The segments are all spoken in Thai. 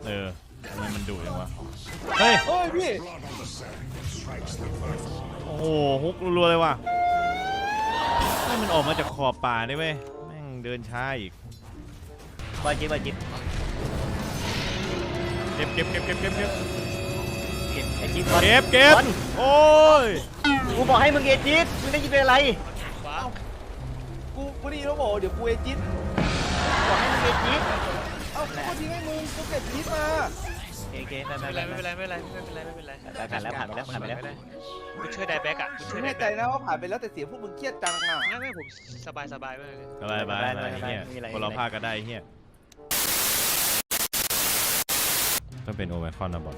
ทำไมมันดุอย่างวะเฮ้ยพี่โอ้โหฮุกรัวๆเลยว่ะให้มันออกมาจากขอบป่าได้เว้ยแม่งเดินช้าอีกบอลจิ๊บเก็บไอ้จิ๊บเก็บโอ้ยกูบอกให้มึงเอจิ๊บมึงได้ยินเป็นอะไรกูได้ยินแล้วบอกเดี๋ยวกูเอจิตบอกให้มึงเอจิ๊บเอ้ากูทิ้งให้มึงกูเก็บจิตมาโอเคไม่เป็นไรผ่านไปแล้วคุณช่วยไดแบ็กอ่ะคุณช่วยไดแน่ใจแบ็กนะว่าผ่านไปแล้วแต่เสียงพวกมึงเครียดจังอ่ะไม่ผมสบายมากเลยสบายเฮียคนเราพาก็ได้เฮียต้องเป็นโอไมคอนนะบอล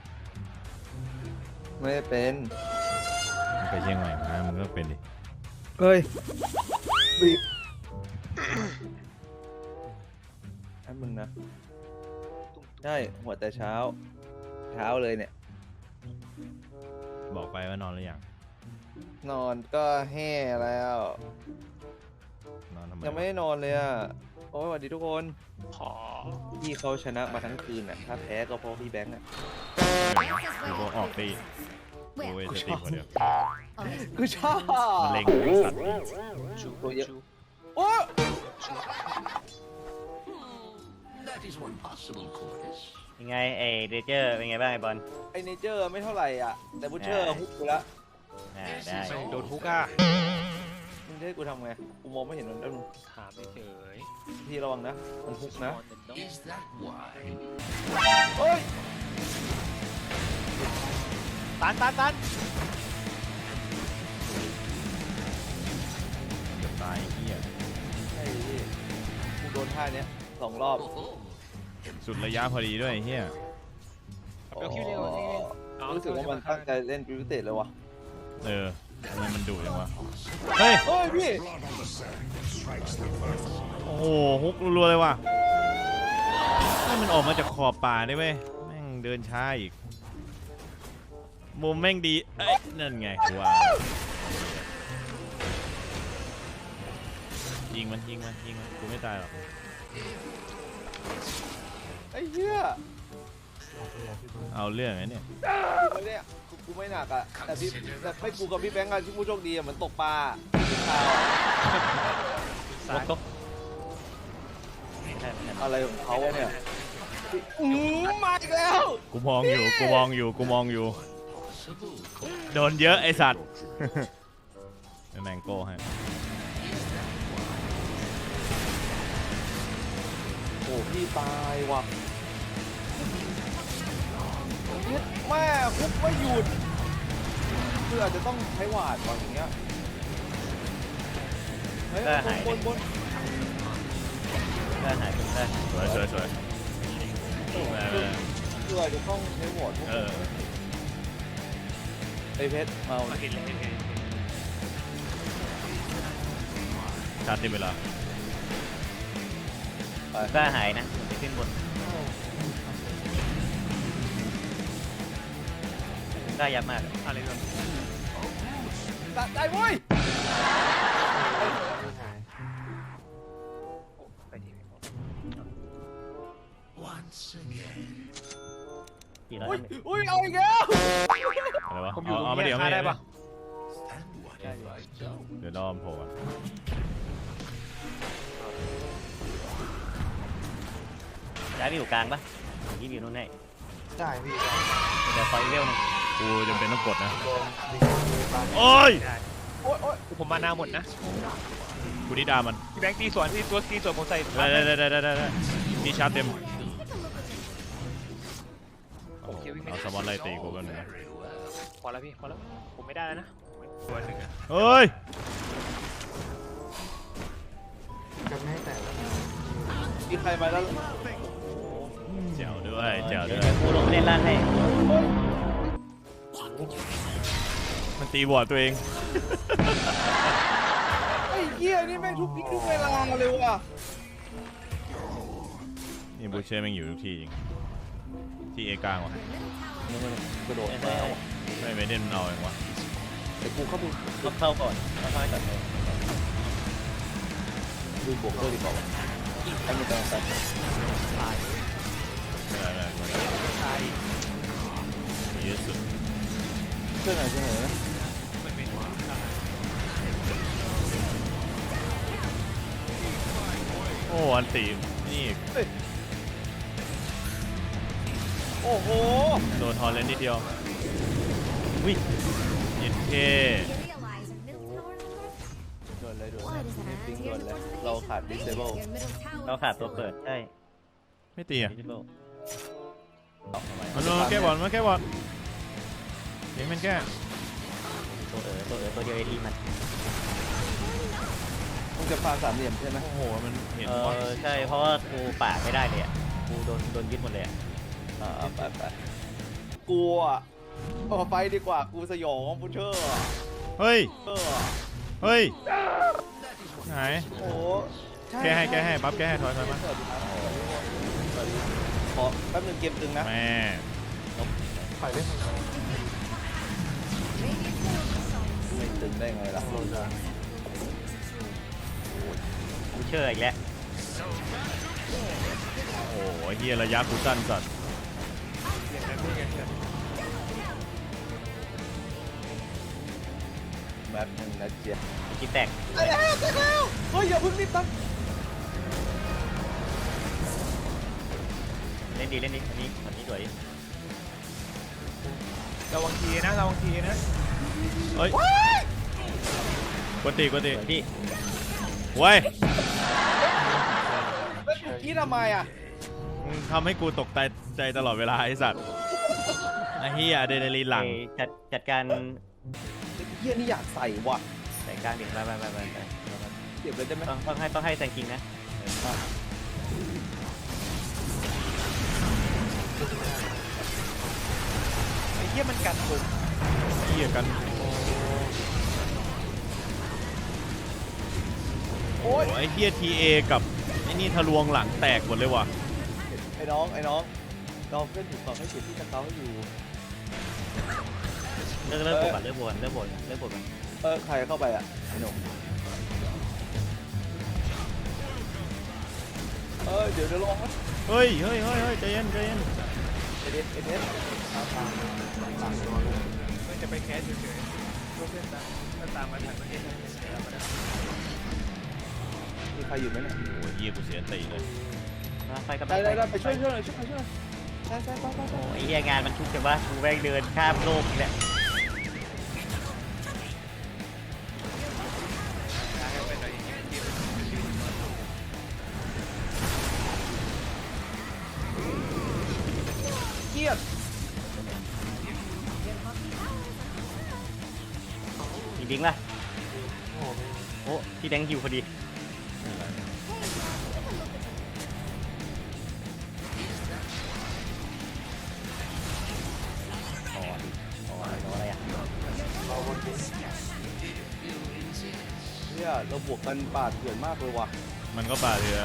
ไม่เป็นไปเชียงใหม่มามึงก็เป็นดิเฮ้ยบีบให้มึงนะได้หัวแต่เช้าเลยเนี่ยบอกไปว่านอนหรือยังนอนก็แห่แล้วนอนทำไมยังไม่ได้นอนเลยอ่ะโอ้ยสวัสดีทุกคนขอพี่เขาชนะมาทั้งคืนอ่ะถ้าแพ้ก็เพราะพี่แบงค์อ่ะกูก็ออกตีกูเวทีคนเดียวกูชอบมันเล็งสัตว์ชูเยอะโอ้ยังไงไอ้เดเจอร์เป็นไงบ้างไอ้บอลไอเนเจอร์ไม่เท่าไหร่อ่ะแต่บูเชอร์ฮุกกูละได้โดนฮุกอ่ะมึงจะให้กูทำไงกูมองไม่เห็นมันแล้วมึงถามเฉยพี่ระวังนะมันฮุกนะเฮ้ยตันเกือบตายเฮียใช่พี่กูโดนท่าเนี้ย2 รอบสุดระยะพอดีด้วยเฮียรู้สึกว่ามันตั้งใจเล่นพิเศษเลยวะทำไมมันดุอย่างวะเฮ้ยพี่โอ้โหฮุกรัวๆเลยว่ะให้มันออกมาจากขอบป่าได้เว้ยแม่งเดินช้าอีกมุมแม่งดีนั่นไงกูว่ายิงมันกูไม่ตายหรอกไอ้เหี้ยเอาเรื่องไงเนี่ยกูไม่หนักอ่ะแต่ไม่กูกับพี่แบงค์กันที่ผู้โชคดีเหมือนตกปลาอะไรของเขาเนี่ยมาอีกแล้วกูมองอยู่โดนเยอะไอสัตว์แมงโก้ให้โอ้พี่ตายว่ะแม่คุกไม่หยุดคืออาจจะต้องใช้หวาดก่อนอย่างเงี้ยเฮ้ยบนได้หายไปได้สวยคืออาจจะต้องใช้หวาดไอเพชรเมาชาติเวลาได้หายนะไปขึ้นบนได้ยับมากอะไรกันได้เว้ยอุ้ยเอาอีกแล้วอะไรวะผมอยู่เอามาเดี๋ยวได้ปะเดี๋ยวรอมโผล่ย้ายไปอยู่กลางปะยี่อยู่นู่นให้ได้พี่เดี๋ยวคอยเร็วนึงกูจำเป็นต้องกดนะโอ้ยผมมาหน้าหมดนะกูนี่ด่ามันพี่แบงค์ตีสวนที่ตัวตีสวนผมใส่ได้มีชาร์จเต็มเอาสมอลไล่ตีกูกันนะพอแล้วพี่พอแล้วผมไม่ได้แล้วนะตัวหนึ่งเฮ้ยจะไม่ให้แต่มีใครมาแล้วเจ๋วด้วยกูลงเล่นล่างให้มันตีบอดตัวเองไอ้เหี้ยนี่แม่งทุกเวลาเลยว่ะนี่บูเช่แม่งอยู่ทุกที่จริงที่เอกลางวะกระโดดไม่เด่นเอาเองวะแต่กูเข้าก่อนค่อยๆตัดเลยดูบวกด้วยดีกว่าไอ้นี่ต้องตัดได้ช่วยหน่อยช่วยหน่อยนะมันเป็นหัวโอ้อันตีนี่โอ้โหโดนทอนเลนนิดเดียววิยินเคโดนเลยโดนเลยปิงโดนเลยเราขาด disable เราขาดตัวเปิดใช่ไม่ตีอ่ะ Visible มันมาแก้บอลมาแก้บอลเสียงมันแก้ตัวเดียวเอดีมันมึงจะฟาร์มสามเหลี่ยมใช่ไหมโอ้โหมันเห็นใช่เพราะว่ากูป่าไม่ได้เลยอ่ะกูโดนยึดหมดเลยอ่ะไปไปกลัวไปดีกว่ากูสยองพุชเชอร์เฮ้ยเฮ้ยไหนโอ้แก้ให้ปั๊บแก้ให้ถอยมาขอแป๊บนึงเกมตึงนะแม่ไม่ตึงได้ไงล่ะกูเชื่ออีกแล้วโอ้โหเฮียระยะกูสั้นสัตว์แบบนึงนะเจี๊ยบคิดแตกเฮ้ยอย่าเพิ่งรีบตั้งเล่นดีอันนี้สวยระวังทีนะระวังทีนะเฮ้ยกดตีสวยพี่เว้ยกี้ทำไมอ่ะมึงทำให้กูตกใจตลอดเวลาไอ้สัตว์ไอ้เฮียอะดรีนาลีนหลังจัดการเฮียนี่อยากใส่ว่ะใส่กลางดิไปเก็บเลยได้ไหมต้องให้แซงคิงนะไอ้เฮียมันกัดผมเฮียกันโอ้ยไอ้เฮียทีเอกับไอ้นี่ทะลวงหลังแตกหมดเลยว่ะไอ้น้องเราเพื่อนอยู่ต่อให้เสียที่จะเก้าอยู่เลิกบวกกันเลิกบวกกันใครเข้าไปอ่ะไอ้หนุ่มเดี๋ยวลองนะเฮ้ยใจเย็นเอเดสมันจะไปแคสเฉยๆพวกเพื่อนตามมาทันประเทศมีใครอยู่ไหมเนี่ยโอ้ยเฮียกูเสียตีเลยไปกับได้ไปช่วยหน่อยใช่ไปโอ้ยงานมันทุกข์แต่ว่ากูแม่งเดินข้ามโลกนี่แหละเกียดมีดิ้งป่ะโอ้พี่แดงหิวพอดีอะไรอ่ะเนี่ยเราบวกกันปาดเถื่อนมากเลยว่ะมันก็ป่าเรือ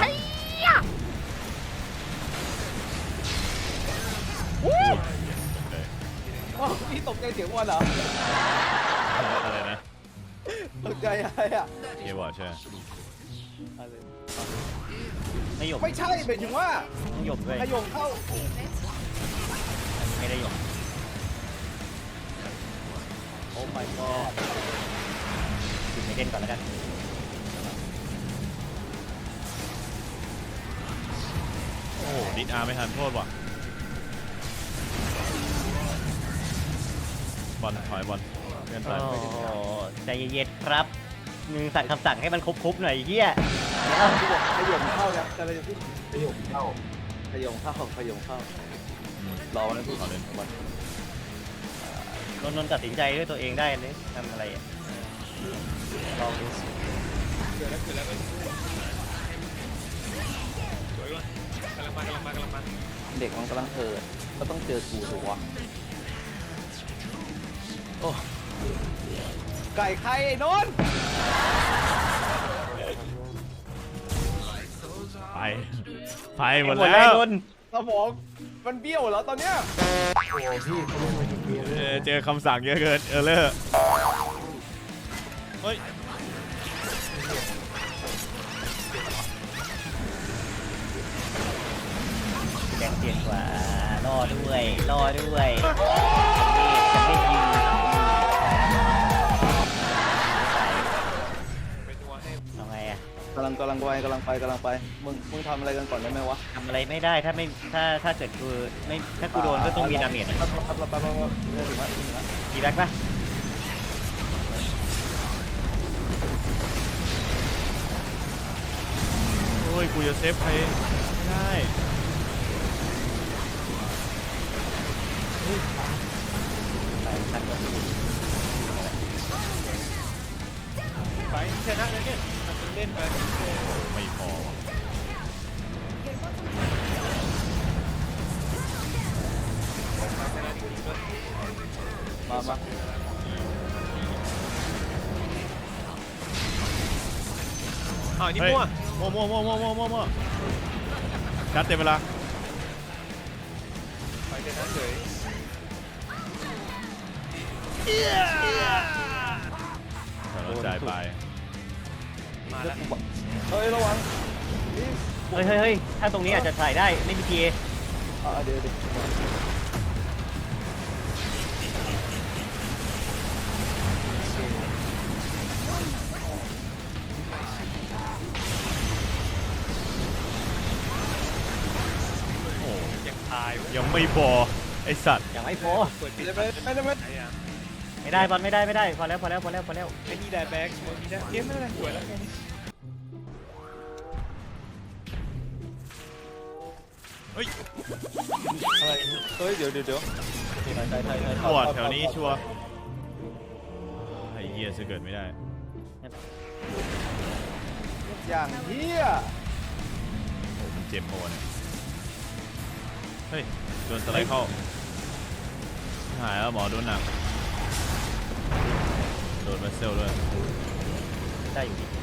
พี่ตกใจเสียงวันเหรออะไรนะตกใจอะไรอ่ะเฮียบอดใช่ไม่หยกไม่ใช่หมายถึงว่าหยกด้วยขยงเข้าไม่ได้หยกโอ้ my god ถึงไม่เล่นก่อนแล้วกันโอ้โหดิสอาร์ไม่ทันโทษว่ะบอลถอยบอลเพื่อนถอยใจเย็นๆครับมึงสั่งคำสั่งให้มันครบๆหน่อยเฮียขยงเข้านะจะอะไรจะพูดขยงเข้ารอนะพี่ขอเล่นนนตัดสินใจด้วยตัวเองได้เลยทำอะไรลองดูเกิดแล้วสวยก่อนกำลังมาเด็กมันกำลังก็ต้องเจอกูถูกวะโอ้ไก่ใครไอ้นนท์ไปหมดแล้วสมองมันเบี้ยวเหรอตอนเนี้ยเจอคำสั่งเยอะเกินเลอร์เฮ้ยแดงเปลี่ยนกว่าล่อด้วยจะไม่ยิงำลังไปมึงทำอะไรกันก่อนได้ไหมวะทำอะไรไม่ได้ถ้าไม่ถ้าเกิดกูไม่ถ้ากูโดนก็ต้องมีดาเมจครับถึงแล้วมีแบ็คปะโอ้ยกูจะเซฟใครไม่ได้ตัดก่อนไปชนะเลยเนี่ยมันเล่นไปไม่พอว่ะชนะจริงๆด้วยมาอ้าวนี่เฮ้ยมั่วมั่วชัดเต็มเวลาไปชนะเฉยเราจ่ายไปมาแล้วเฮ้ยระวังเฮ้ยถ้าตรงนี้อาจจะถ่ายได้ไม่มีพีเอเดี๋ยวโอ้ยังตายเว้ยยังไม่พอไอสัตว์อย่างไม่พอเปิดปิดไม่ไม่ได้บอลไม่ได้พอแล้วไอ้นี่ได้แบ็กมีได้เกมไม่เป็นไรสวยแล้วเฮ้ยอะไรเฮ้ยเดี๋ยวปวดแถวนี้ชัวร์ไอ้เหี้ยจะเกิดไม่ได้อย่างเฮียโอ้มันเจ็บปวดเฮ้ยโดนสไลด์เข้าหายแล้วหมอโดนหนักโดนมาเซลด้วยได้อยู่ดี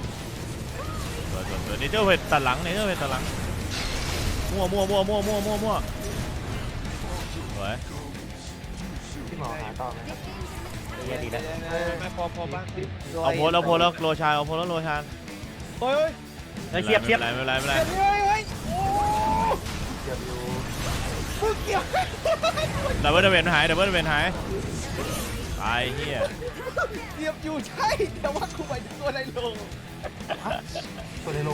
ตัวนี่เจ้าเวทตัดหลังนี่เจ้าเวทตัดหลังมั่วสวยที่หมอหาต่อไหมครับเยอะดีแล้วไม่พอบ้างเอาโพลแล้วโรชานเอาโพลแล้วโรชานเฮ้ยเฮ้ยเทียบไม่เป็นไรมึงเกี่ยวดับเบิลเวนหายตายเฮียเทียบอยู่ใช่แต่ว่ากูไปตัวในโลงตัวในโล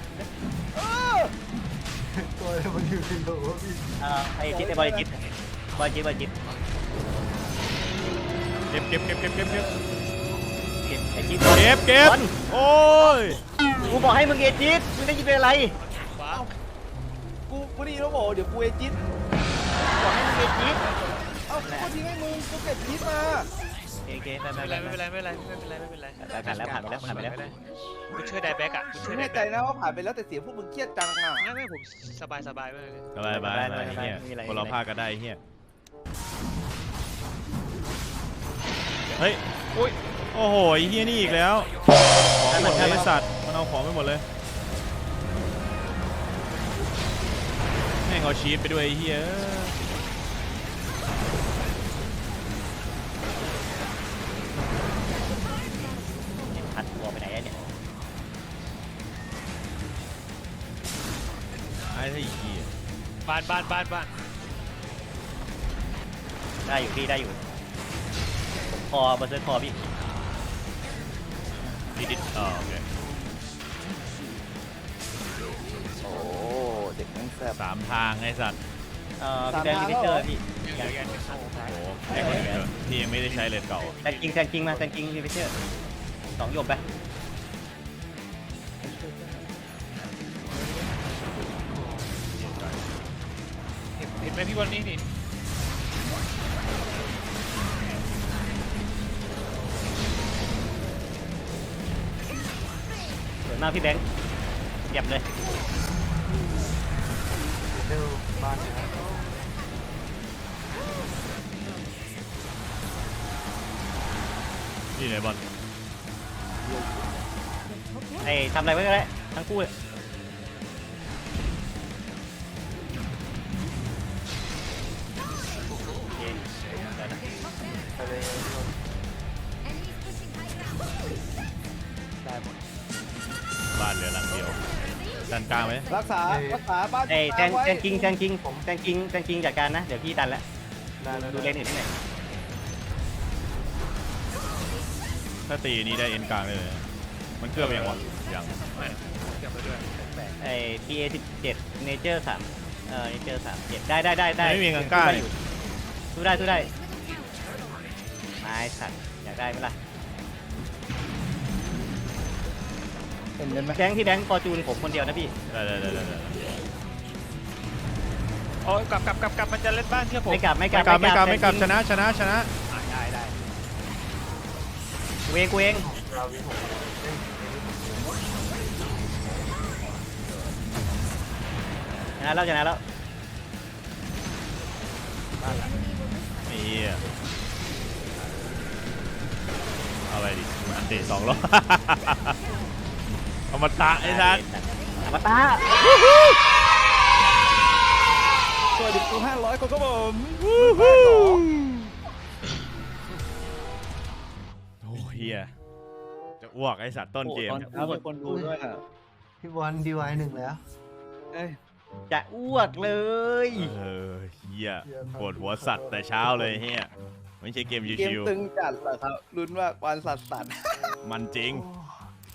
ตัวมันอยู่ในโลพี่ไอ้จิ๊ดไอ้บอลจิ๊ดเก็บไอ้จิ๊ดบอลโอ้ยกูบอกให้มึงเอจิ๊ดมึงได้ยินเป็นอะไรว้าวกูนี่แล้วบอกเดี๋ยวกูเอจิตบอกให้มึงเอจิ๊ดเอ้ากูทิ้งให้มึงกูเก็บจิตมาโอเคไม่เป็นไรผ่านไปแล้วกูช่วยได้แบ็กอ่ะกูช่วยได้แน่ใจแบ็กนะว่าผ่านไปแล้วแต่เสียงพวกมึงเครียดจังอ่ะไม่ผมสบายมากเลยสบายเฮียคนเราพากันได้เฮียเฮ้ยโอ้โหเฮียนี่อีกแล้วของหมดเลยสัตว์มันเอาของไปหมดเลยแม่งเอาชีสไปด้วยเฮียหัดหัวไปไหนเนี่ยไอ้ที่เฮียบ้านได้อยู่พี่ได้อยู่คอเบอร์เซอร์คอพี่ดิดโอเคโอ้เด็กนั่งแซ่บ 3 ทางไอ้สัตว์พี่แบงค์มิเตอร์พี่ยังโอ้โหไอ้คนนี้ที่ยังไม่ได้ใช้เลนเก่าแซงกิ้งมาพี่มิเตอร์2หยบไปเห็นไหมพี่วันนี้นี่สวยมากพี่แบงค์เก็บเลยเร็วบ้านนะนี่ไหนบอลไอ้ทำอะไรไว้ก็ได้ทั้งคู่เลยโอเคเดี๋ยวนะไปเลยได้หมดบ้านเหลือหลังเดียวดันกลางไหมรักษาบ้านไอ้แซงไว้กิ้งจัดการนะเดี๋ยวพี่ดันแล้วได้แล้วดูเลนอื่นที่ไหนถ้าตีนี้ได้เอ็นกลางเลยมันเกือบยังวะยังไม่เก็บไปด้วยแปลกไอ้ TA 17 Nature 3Nature 37ได้ไม่มีกังก้าสู้ได้ไม้สัตว์อยากได้ไหมล่ะเห็นไหมแบงค์ที่แบงค์ฟอร์จูนผมคนเดียวนะพี่ได้โอ้ยกลับมันจะเล่นบ้านเชื่อผมไม่กลับไม่กลับชนะได้กูเองเราวิ่งผมเอ้ยชนะแล้วนี่เอาไปดิอันเตะ2 รอบเอามาตะไอ้ทักอมตะสวัสดีกู500คนครับผมโอ้เฮียจะอ้วกไอ้สัตว์ต้นเกมตอนเช้ามีคนดูด้วยอ่ะพี่บอลดีไวหนึ่งแล้วเอ้ยจะอ้วกเลยเฮียปวดหัวสัตว์แต่เช้าเลยเฮียไม่ใช่เกมเกมชิวตึงจัดเหรอครับลุ้นว่าวันสัตว์ๆมันจริงโอ้